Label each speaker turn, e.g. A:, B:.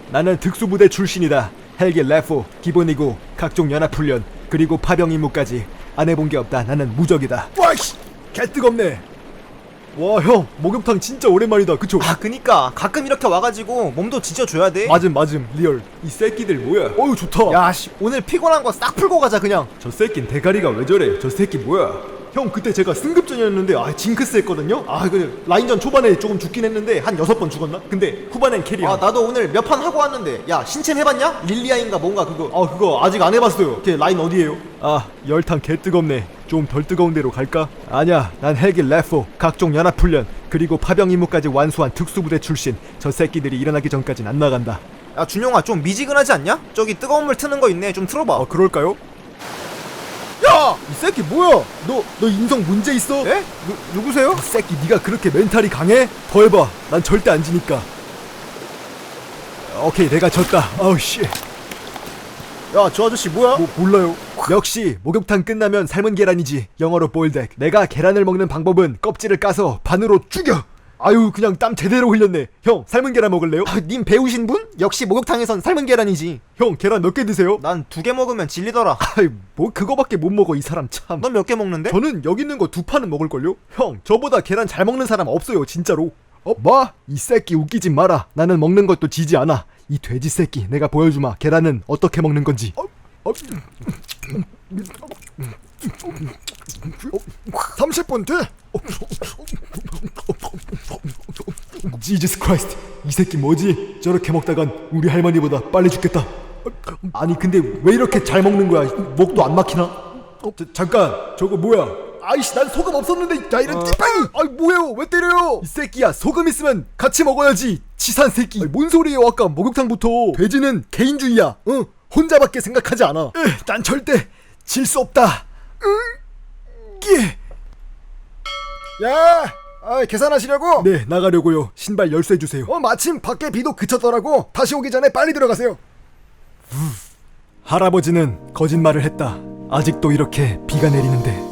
A: 나는 특수부대 출신이다. 헬기 레포, 기본이고 각종 연합훈련 그리고 파병 임무까지 안 해본 게 없다. 나는 무적이다. 와이씨 개뜨겁네. 와 형 목욕탕 진짜 오랜만이다. 그쵸?
B: 아 그니까 가끔 이렇게 와가지고 몸도 지져줘야 돼.
A: 맞음 리얼. 이 새끼들 뭐야? 어우 좋다.
B: 야씨 오늘 피곤한 거 싹 풀고 가자 그냥.
A: 저 새끼는 대가리가 왜 저래? 저 새끼 뭐야? 형 그때 제가 승급전이었는데 징크스 했거든요? 그 라인전 초반에 조금 죽긴 했는데 한 6번 죽었나? 근데 후반엔 캐리야.
B: 나도 오늘 몇 판 하고 왔는데 야 신챔 해봤냐? 릴리아인가 뭔가 그거.
A: 그거 아직 안 해봤어요. 걔 라인 어디에요? 열탕 개 뜨겁네. 좀 덜 뜨거운 데로 갈까? 아니야 난 헬기 레포 각종 연합훈련 그리고 파병 임무까지 완수한 특수부대 출신. 저 새끼들이 일어나기 전까진 안 나간다.
B: 야 준용아 좀 미지근하지 않냐? 저기 뜨거운 물 트는 거 있네 좀 틀어봐.
A: 그럴까요? 야! 이 새끼 뭐야? 너 인성 문제 있어?
B: 에? 누구세요?
A: 이 새끼 네가 그렇게 멘탈이 강해? 더 해봐. 난 절대 안 지니까. 오케이 내가 졌다. 아우 씨.
B: 야 저 아저씨 뭐야?
A: 몰라요. 역시 목욕탕 끝나면 삶은 계란이지. 영어로 보일덱. 내가 계란을 먹는 방법은 껍질을 까서 반으로 죽여. 아유 그냥 땀 제대로 흘렸네. 형 삶은 계란 먹을래요?
B: 님 배우신 분? 역시 목욕탕에선 삶은 계란이지.
A: 형 계란 몇 개 드세요?
B: 난 2개 먹으면 질리더라.
A: 뭐 그거밖에 못 먹어 이 사람 참.
B: 넌 몇 개 먹는데?
A: 저는 여기 있는 거 2판은 먹을걸요? 형 저보다 계란 잘 먹는 사람 없어요 진짜로. 뭐? 이 새끼 웃기지 마라. 나는 먹는 것도 지지 않아. 이 돼지 새끼 내가 보여주마. 계란은 어떻게 먹는 건지. 30분 뒤. 지저스 크라이스트. 이 새끼 뭐지? 저렇게 먹다간 우리 할머니보다 빨리 죽겠다. 아니 근데 왜 이렇게 잘 먹는 거야? 목도 안 막히나? 잠깐 저거 뭐야? 아이씨 난 소금 없었는데. 야 이런 띠빵이. 아이 뭐예요? 왜 때려요? 이 새끼야 소금 있으면 같이 먹어야지. 치산 새끼. 뭔 소리예요? 아까 목욕탕부터. 돼지는 개인주의야. 혼자밖에 생각하지 않아. 난 절대 질 수 없다. 야, 계산하시려고? 네, 나가려고요. 신발 열쇠 주세요. 마침 밖에 비도 그쳤더라고. 다시 오기 전에 빨리 들어가세요. 할아버지는 거짓말을 했다. 아직도 이렇게 비가 내리는데.